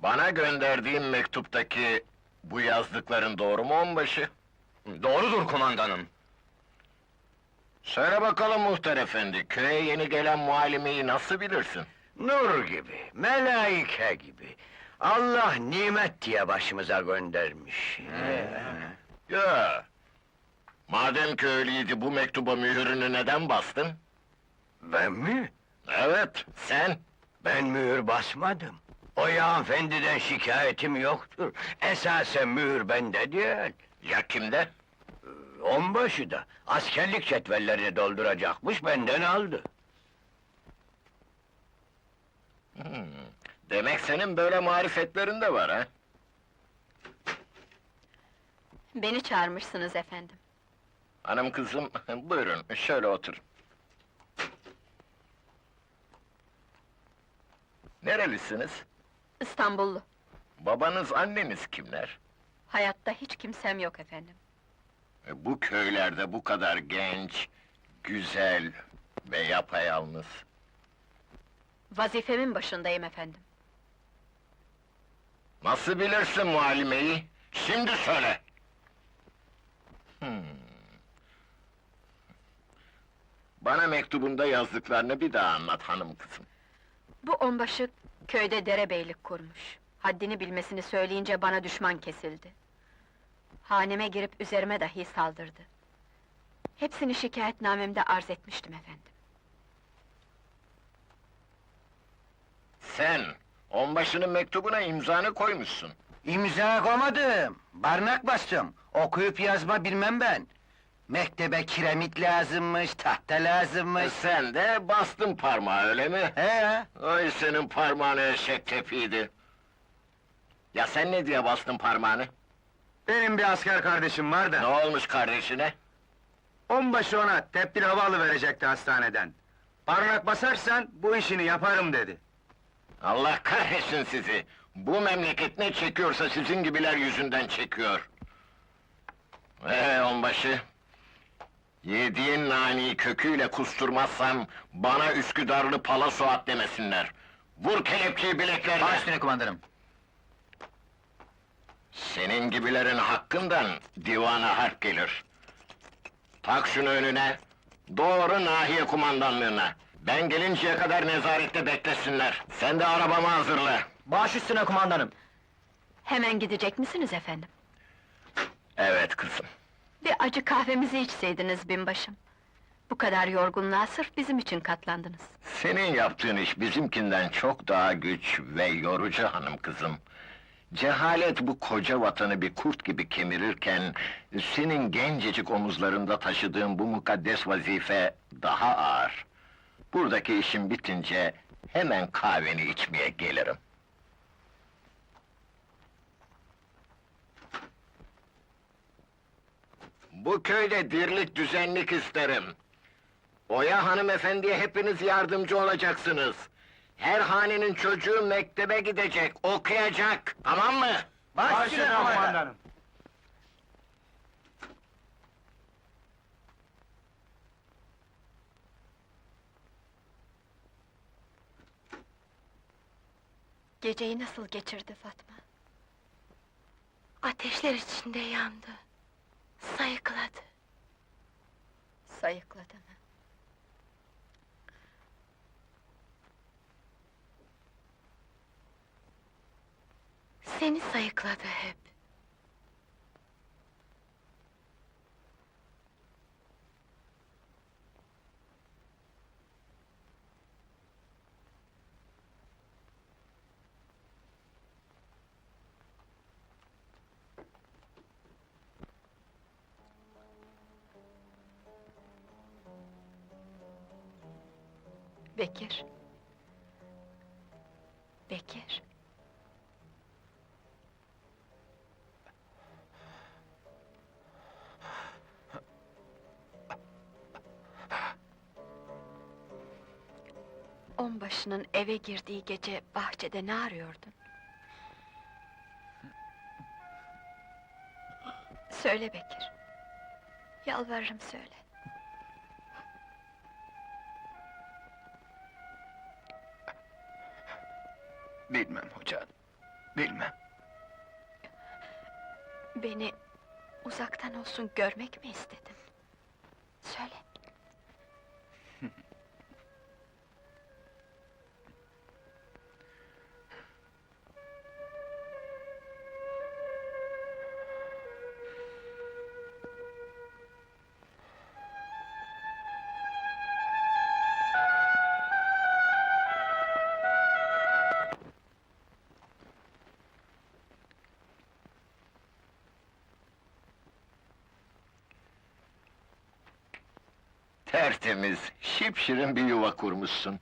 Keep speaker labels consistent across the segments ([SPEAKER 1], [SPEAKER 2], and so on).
[SPEAKER 1] Bana gönderdiğin mektuptaki bu yazdıkların doğru mu onbaşı?
[SPEAKER 2] Doğrudur kumandanım.
[SPEAKER 1] Söyle bakalım muhtar efendi, köye yeni gelen muallimeyi nasıl bilirsin?
[SPEAKER 3] Nur gibi, melaike gibi. Allah nimet diye başımıza göndermiş.
[SPEAKER 1] Ya! Madem ki öyleydi, bu mektuba mühürünü neden bastın?
[SPEAKER 3] Ben mi?
[SPEAKER 1] Evet, sen!
[SPEAKER 3] Ben mühür basmadım. O ya hanımefendiden şikayetim yoktur. Esasen mühür bende değil.
[SPEAKER 1] Ya kimde?
[SPEAKER 3] Onbaşı da askerlik cetvellerini dolduracakmış, benden aldı.
[SPEAKER 1] Demek senin böyle marifetlerin de var ha?
[SPEAKER 4] Beni çağırmışsınız efendim.
[SPEAKER 1] Hanım kızım, buyurun, şöyle oturun. Nerelisiniz?
[SPEAKER 4] İstanbullu.
[SPEAKER 1] Babanız, anneniz kimler?
[SPEAKER 4] Hayatta hiç kimsem yok efendim.
[SPEAKER 1] Bu köylerde bu kadar genç, güzel ve yapayalnız.
[SPEAKER 4] Vazifemin başındayım efendim.
[SPEAKER 1] Nasıl bilirsin muallimeyi? Şimdi söyle! Bana mektubunda yazdıklarını bir daha anlat hanım kızım.
[SPEAKER 4] Bu onbaşı köyde derebeylik kurmuş. Haddini bilmesini söyleyince bana düşman kesildi. Haneme girip üzerime dahi saldırdı. Hepsini şikayetnamemde arz etmiştim efendim.
[SPEAKER 1] Sen, onbaşının mektubuna imzanı koymuşsun.
[SPEAKER 5] İmza koymadım, barnak bastım. Okuyup yazma bilmem ben. Mektebe kiremit lazımmış, tahta lazımmış.
[SPEAKER 1] Sen de bastın parmağı, öyle mi?
[SPEAKER 5] He,
[SPEAKER 1] Ay senin parmağını eşek tepiydi. Ya sen ne diye bastın parmağını?
[SPEAKER 2] Benim bir asker kardeşim var
[SPEAKER 1] Ne
[SPEAKER 2] da,
[SPEAKER 1] olmuş kardeşine?
[SPEAKER 2] onbaşı ona tepkili hava alıverecekti hastaneden. Parmak basarsan bu işini yaparım dedi.
[SPEAKER 1] Allah kahretsin sizi! Bu memleket ne çekiyorsa sizin gibiler yüzünden çekiyor. Onbaşı! Yediğin naniyi köküyle kusturmazsam, bana Üsküdarlı Pala Suat demesinler. Vur kelepçeyi bileklerine!
[SPEAKER 5] baş üstüne kumandanım.
[SPEAKER 1] Senin gibilerin hakkından divana harp gelir. Tak şunu önüne, doğru nahiye kumandanlığına. Ben gelinceye kadar nezarette beklesinler. Sen de arabamı hazırla.
[SPEAKER 5] Baş üstüne kumandanım.
[SPEAKER 4] Hemen gidecek misiniz efendim?
[SPEAKER 1] Evet kızım.
[SPEAKER 4] Bir acı kahvemizi içseydiniz binbaşım. Bu kadar yorgunluğa sırf bizim için katlandınız.
[SPEAKER 1] Senin yaptığın iş bizimkinden çok daha güç ve yorucu hanım kızım. Cehalet bu koca vatanı bir kurt gibi kemirirken, senin gencecik omuzlarında taşıdığın bu mukaddes vazife daha ağır. Buradaki işim bitince hemen kahveni içmeye gelirim. Bu köyde dirlik düzenlik isterim. Oya hanımefendiye hepiniz yardımcı olacaksınız. Her hanenin çocuğu mektebe gidecek, okuyacak, tamam mı?
[SPEAKER 5] Baş üstüne kumandanım.
[SPEAKER 4] Geceyi nasıl geçirdi Fatma?
[SPEAKER 6] Ateşler içinde yandı. Sayıkladı.
[SPEAKER 4] Sayıkladı mı?
[SPEAKER 6] Seni sayıkladı hep.
[SPEAKER 4] Bekir. Bekir. Onbaşının eve girdiği gece bahçede ne arıyordun? Söyle Bekir. Yalvarırım söyle.
[SPEAKER 2] Bilmem hoca.
[SPEAKER 3] Bilmem.
[SPEAKER 4] Beni uzaktan olsun görmek mi istedin? Söyle.
[SPEAKER 1] Tertemiz, şipşirin bir yuva kurmuşsun.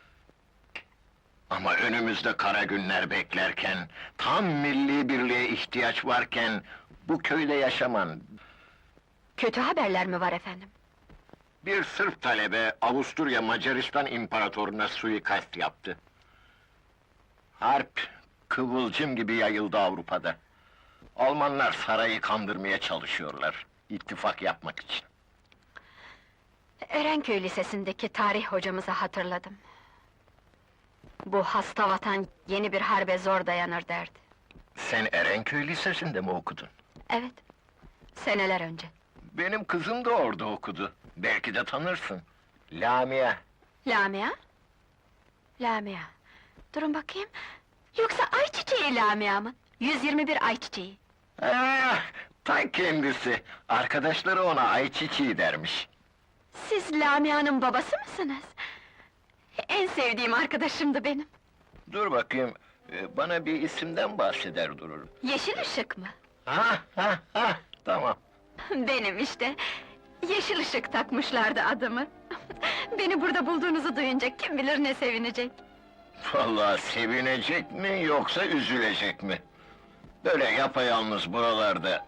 [SPEAKER 1] Ama önümüzde kara günler beklerken, tam milli birliğe ihtiyaç varken, bu köyde yaşaman...
[SPEAKER 4] Kötü haberler mi var efendim?
[SPEAKER 1] Bir Sırp talebe, Avusturya Macaristan İmparatoruna suikast yaptı. Harp, kıvılcım gibi yayıldı Avrupa'da. Almanlar sarayı kandırmaya çalışıyorlar, ittifak yapmak için.
[SPEAKER 4] Erenköy Lisesi'ndeki tarih hocamızı hatırladım. Bu hasta vatan yeni bir harbe zor dayanır derdi.
[SPEAKER 1] Sen Erenköy Lisesi'nde mi okudun?
[SPEAKER 4] Evet, seneler önce.
[SPEAKER 1] Benim kızım da orada okudu. Belki de tanırsın. Lamia.
[SPEAKER 4] Lamia? Lamia. Durun bakayım. Yoksa ayçiçeği Lamia mı? 121 ayçiçeği.
[SPEAKER 1] Ah, ta kendisi. Arkadaşları ona ayçiçeği dermiş.
[SPEAKER 4] Siz Lamia'nın babası mısınız? En sevdiğim arkadaşımdı benim.
[SPEAKER 1] Dur bakayım, bana bir isimden bahseder durur.
[SPEAKER 4] Yeşil ışık mı?
[SPEAKER 1] Ha, tamam.
[SPEAKER 4] Benim işte. Yeşil ışık takmışlardı adımı. Beni burada bulduğunuzu duyunca kim bilir ne sevinecek.
[SPEAKER 1] Vallahi sevinecek mi yoksa üzülecek mi? Böyle yapayalnız buralarda.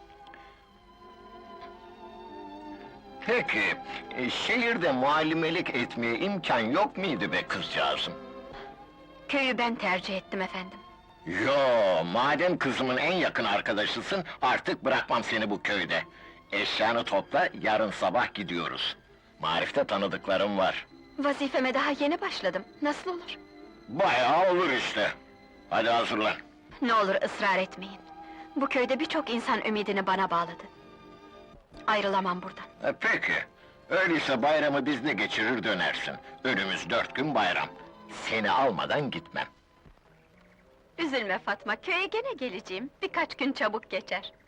[SPEAKER 1] Peki, şehirde muallimelik etmeye imkan yok muydu be kızcağızım?
[SPEAKER 4] Köyü ben tercih ettim efendim.
[SPEAKER 1] Yo, madem kızımın en yakın arkadaşısın, artık bırakmam seni bu köyde. Eşyanı topla, yarın sabah gidiyoruz. Marif'te tanıdıklarım var.
[SPEAKER 4] Vazifeme daha yeni başladım. Nasıl olur?
[SPEAKER 1] Bayağı olur işte. Hadi hazırlan.
[SPEAKER 4] Ne olur ısrar etmeyin. Bu köyde birçok insan ümidini bana bağladı. Ayrılamam buradan.
[SPEAKER 1] Peki. Öyleyse bayramı bizde geçirir dönersin. Önümüz 4 gün bayram. Seni almadan gitmem.
[SPEAKER 4] Üzülme Fatma, köye gene geleceğim. Birkaç gün çabuk geçer.